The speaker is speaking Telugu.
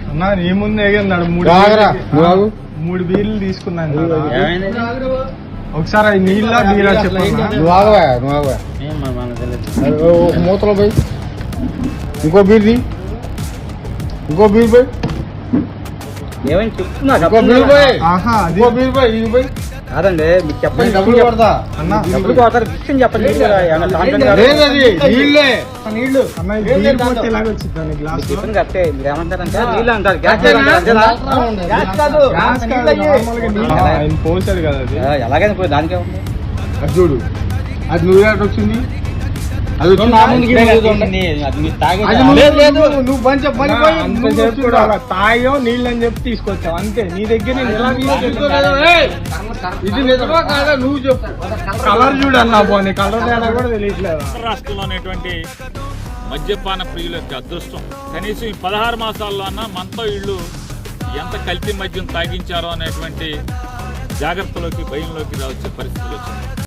అన్నా నీ ముందు ఎగన్నాడు మూడు బీర్లు తీసుకున్నాను ఒకసారి అది నీళ్ళ బీరా చెప్పండి. నువ్వు ఆగవా మూతలో పోయి ఇంకో బీర్ పోయి ఏమైనా చెప్తున్నా కాదండి మీకు చెప్పండి. డబ్బులు కొడతా డబ్బులు కొడతారు విషయం చెప్పండి. చెప్పండి కరెక్టే. మీరు ఏమంటారంటే నీళ్ళు అంటారు, పోసాడు కదా అది. ఎలాగైనా పోయి దానికే ఉంది. అది చూడు, అది నువ్వు ఎక్కడ వచ్చింది? అది నువ్వు తాయో నీళ్ళు అని చెప్పి తీసుకొచ్చావు అంతే. నీ దగ్గర ఇది నిజమా కాదా నువ్వు చెప్పు. కలర్ చూడన్నా పోనీ, కలర్ తేడా కూడా తెలియట్లేదు. రాష్ట్రంలో అనేటువంటి మద్యపాన ప్రియుల యొక్క అదృష్టం కనీసం ఈ 16 మాసాల్లో అన్నా మనతో ఇళ్ళు ఎంత కల్తీ మద్యం తాగించారో అనేటువంటి జాగ్రత్తలోకి భయంలోకి రావచ్చే పరిస్థితులు వచ్చింది.